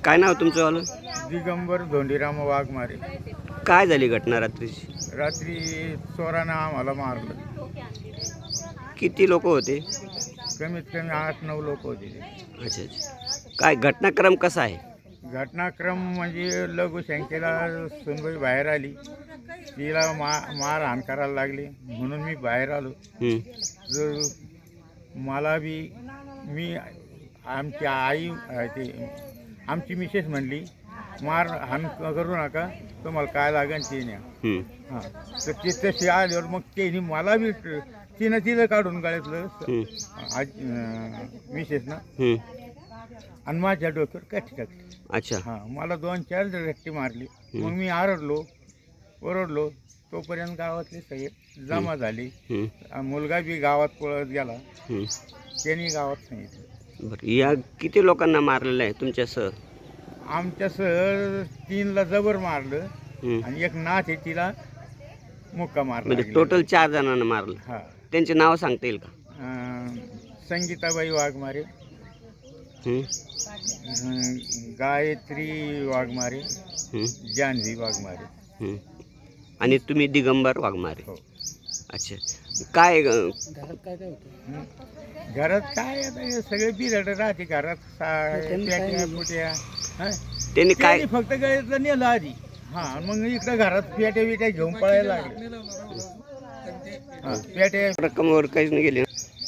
काय नाव तुमचं वालं? दिगंबर धोंडीराम वाघमारे. काय झाली घटना रात्रीची? रात्री चोरानं आम्हाला मारलं. किती लोक होते? कमीत कमी 8-9 लोक होते ते. अच्छा अच्छा. काय घटनाक्रम कसा आहे? घटनाक्रम म्हणजे लघुशंकेला सुनबाई बाहेर आली, तिला मारहाण करायला लागली म्हणून मी बाहेर आलो. जर मला बी मी आमची आई ते आमची मिसेस म्हणली मारहाण करू नका, तुम्हाला काय लागेल ते न्या. हां, तर ते तसे आल्यावर मग त्यांनी मला बी तिनं काढून गाळ्यातलं मिसेसनं आणि माझ्या डोक्यावर काठी टाकली. अच्छा. हां, मला 2-4 रट्टी मारली. मग मी ओरडलो. तोपर्यंत गावातले सगळे जमा झाले. मुलगा बी गावात पळत गेला. त्यांनी गावात सांगितलं. बरं, या किती लोकांना मारलेलं आहे तुमच्यासह? आमच्यासह 3ला जबर मारलं आणि एक नाथ आहे तिला मुक्का मारला. म्हणजे टोटल 4 जणांना मारलं. हां. त्यांचे नाव सांगता येईल का? संगीताबाई वाघमारे, गायत्री वाघमारे, जानवी वाघमारे. आणि तुम्ही दिगंबर वाघमारे. हो. अच्छा. काय घरात काय आता हे सगळे बिरड राहते घरात. पेट्या पुट्या. त्यांनी काय फक्त गळ्यातलं नेलं आधी. हां, मग इकडं घरात पेट्या बिट्या घेऊन पळायला लागले. पेट्या रक्कमवर काहीच नाही गेले?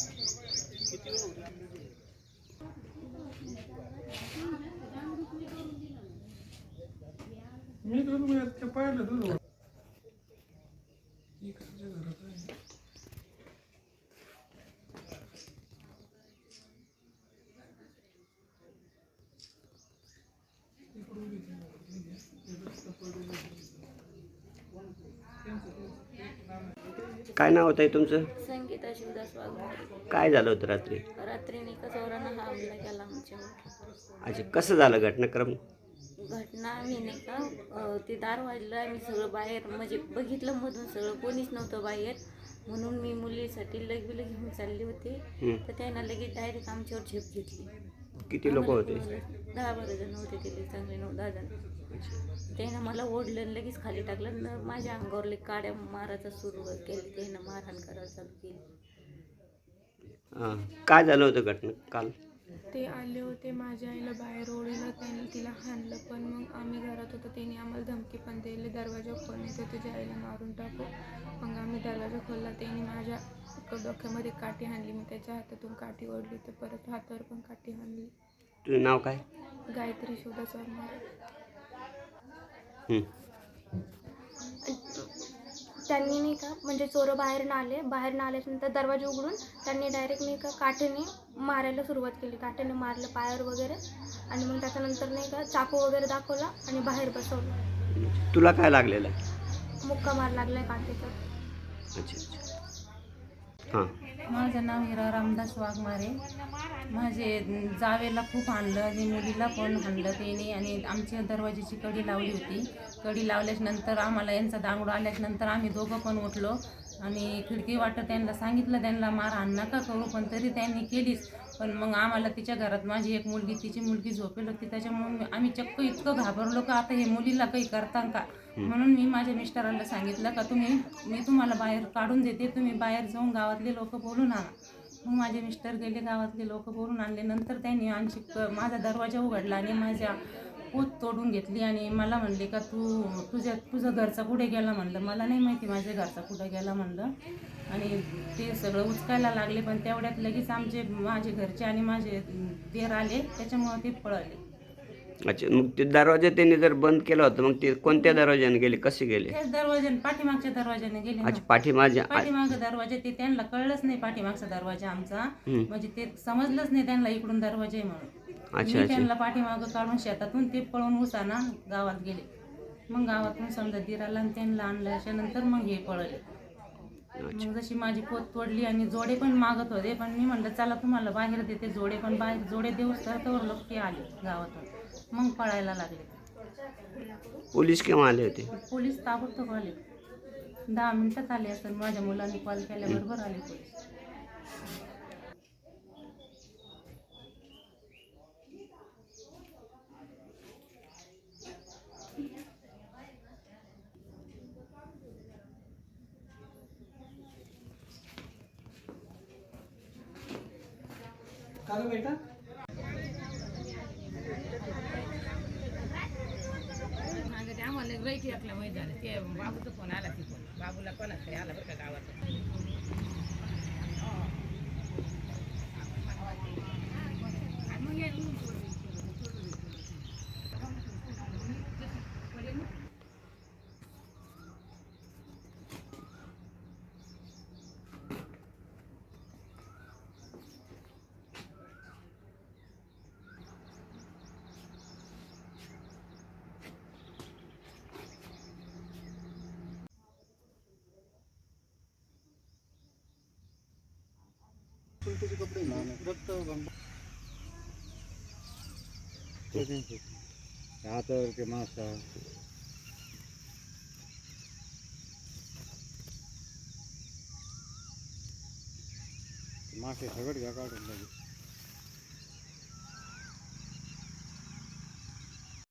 काय नाव होतं तुमचं? संगीता शिवदास वाघमारे. काय झालं होतं रात्री? रात्री निका चोरानं हा हमला केला आमच्यावर. अच्छा, कसं झालं घटनाक्रम? घटना आम्ही नाही का ते दार वाजलं, आम्ही सगळं बाहेर म्हणजे बघितलं मधून सगळं, कोणीच नव्हतं बाहेर. म्हणून मी मुलीसाठी लगेच घेऊन चालले होते. तर त्यांना लगेच डायरेक्ट आमच्यावर झेप घेतली. किती लोक होते? 10-12 जण होते ते, चांगले 9-10 जण. त्यानं मला ओढलं, लगेच खाली टाकलं, माझ्या अंगावर काड्या मारायचा सुरू केली. त्यानं मारहाण करायला चालू केली. काय झालं होतं घटना काल? ते आले होते माझ्या आईला बाहेर ओढलं, त्यांनी तिला हाणलं. पण मग आम्ही घरात होतो, त्यांनी आम्हाला धमकी पण दिली, दरवाजा खोल नाही तर तुझ्या आईला मारून टाकू. मग आम्ही दरवाजा खोलला. त्यांनी माझ्या डोक्यामध्ये काठी हाणली. मी त्याच्या हातातून काठी ओढली, तर परत हातावर पण काठी हाणली. तुझं नाव काय? गायत्री शिवदास वाघमारे. त्यांनी नाही का म्हणजे चोरं बाहेर आल्यानंतर दरवाजा उघडून त्यांनी डायरेक्ट नाही का काठीने मारायला सुरुवात केली. काठीने मारलं पायावर वगैरे. आणि मग त्याच्यानंतर नाही का चाकू वगैरे दाखवला आणि बाहेर बसवलं. तुला काय लागलेलं? मुक्का मार लागलाय काठीचा. अच्छा अच्छा. हां. माझं नाव हिरा रामदास वाघमारे. माझे जावेला खूप हाणलं आणि मुलीला पण हाणलं त्याने. आणि आमच्या दरवाजाची कडी लावली होती. कडी लावल्याच्यानंतर आम्हाला यांचा दांगडू आल्याच्यानंतर आम्ही दोघं पण उठलो आणि खिडकी वाटत त्यांना सांगितलं त्यांना मारहाण नका करू, पण तरी त्यांनी केलीच. पण मग आम्हाला तिच्या घरात माझी एक मुलगी, तिची मुलगी झोपेल होती, त्याच्यामुळे आम्ही चक्क इतकं घाबरलो का आता हे मुलीला काही करता का. म्हणून मी माझ्या मिस्टरांना सांगितलं का मी तुम्हाला बाहेर काढून देते, तुम्ही बाहेर जाऊन गावातले लोक बोलून आणा. मग माझे मिस्टर गेले, गावातले लोक बोलून आणले. नंतर त्यांनी माझा दरवाजा उघडला आणि माझ्या पोत तोडून घेतली आणि मला म्हणले का तुझं घरचा कुठे गेला म्हणलं. मला नाही माहिती माझ्या घरचा कुठे गेला म्हणलं. आणि ते सगळं उचकायला लागले. पण तेवढ्यात लगेच माझे घरचे आणि माझे देर आले, त्याच्यामुळे ते पळाले. अच्छा, मग ते दरवाजा त्यांनी जर बंद केला होता, मग ते कोणत्या दरवाजाने गेले, कसे गेले? त्याच दरवाजाने, पाठीमागच्या दरवाजाने गेले. अच्छा, पाठीमागचा दरवाजा ते त्यांना कळलंच नाही पाठीमागचा दरवाजा आमचा. म्हणजे ते समजलंच नाही त्यांना इकडून दरवाजा आहे म्हणून. मी त्यांना पाठीमागं काढून शेतातून ते पळून उसाना गावात गेले. मग गावातून समजा दिराला आणि त्यांना आणल्याच्या नंतर मग हे पळले. मग जशी माझी पोत तोडली आणि जोडे पण मागत होते, पण मी म्हणलं चला तुम्हाला बाहेर देते जोडे, पण बाहेर जोडे देऊच तर लोक ते आले गावातून. मग पळायला लागले. पोलीस केव्हा आले होते? पोलीस ताबडतोब आले. 10 मिनिटात आले असं. माझ्या मुलांनी कॉल केल्याबरोबर आले पोलीस. आम्हाला राईट एकला माहीत झालं ते बाबूचा फोन आला तिथून बाबूला कोणाकडे आला बरं का गावात हातावर ते मासा मासे सगळं घ्या काढून लगेच